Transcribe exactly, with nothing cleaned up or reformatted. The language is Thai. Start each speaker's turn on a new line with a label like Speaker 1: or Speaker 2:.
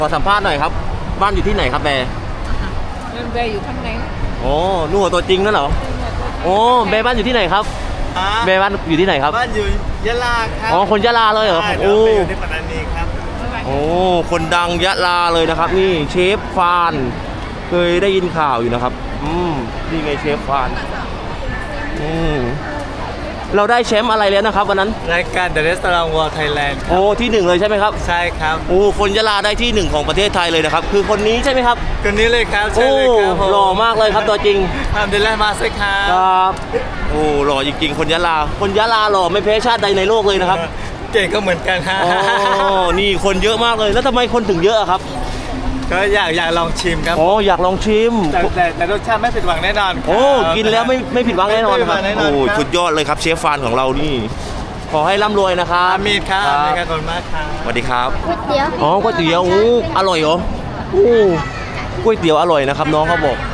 Speaker 1: ขอสัมภาษณ์หน่อยครับบ้านอยู่ที่ไหนครับแบร์
Speaker 2: แบร์อยู่ข้างใน
Speaker 1: โอ้นู่นตัวจริงนั่นเหรอโอ้แบร์บ้านอยู่ที่ไหนครับแบร์บ้านอยู่ที่ไหนครับ
Speaker 3: บ้านอยู่ยะลาครับ
Speaker 1: อ๋อคนยะลาเลยเหรอ
Speaker 3: ใช่
Speaker 1: โอ้
Speaker 3: เราไปอยู่ที่ปัตตานีครับ
Speaker 1: โอ้คนดังยะลาเลยนะครับ นี่เชฟฟานเคยได้ยินข่าวอยู่นะครับอืมนี่ไงเชฟฟานอืมเราได้แชมป์อะไรแล้วนะครับวันนั้น
Speaker 3: รายการ The Restaurant World Thailand
Speaker 1: โอ้ที่หนึ่งเลยใช่ไหมครับ
Speaker 3: ใช่ครับ
Speaker 1: โอ้คนยะลาได้ที่หนึ่งของประเทศไทยเลยนะครับคือคนนี้ใช่ไหมครับ
Speaker 3: คนนี้เลยครับใช่
Speaker 1: โอ้
Speaker 3: เลยครับผม
Speaker 1: หล่อมากเลยครับตัวจริง
Speaker 3: ทำดีแล้วมาสิครั
Speaker 1: ค
Speaker 3: บ
Speaker 1: รับโอ้หล่อจริงๆคนยะลาคนยะลาหล่อไม่แพ้ชาติใดในโลกเลยนะครับ
Speaker 3: เก่งก็เหมือนกันฮะ
Speaker 1: อ๋อนี่คนเยอะมากเลยแล้วทำไมคนถึงเยอะอะครับ
Speaker 3: ก็อยากอยากลองชิมครับ
Speaker 1: อ๋ออยากลองชิม
Speaker 3: แต่แต่แต่รสชาติไม่ผิดหวังแน่นอนครับ
Speaker 1: โอ้กินแล้วไม่ไม่ผิดหวังแน่นอนครับ
Speaker 3: ไม่ผิดหวังแน่นอน
Speaker 1: โอ้
Speaker 3: ครับ
Speaker 1: สุดยอดเลยครับเชฟฟานของเรานี่ขอให้ร่ำรวยนะครับ
Speaker 3: อามีดครับอามีดครับขอบคุณมากครับ
Speaker 1: สวัสดีครับ
Speaker 4: ก๋วยเตี๋ยว
Speaker 1: อ๋อก๋วยเตี๋ยวโอ้อร่อยเหรอโอ้ก๋วยเตี๋ยวอร่อยนะครับน้องเขาบอก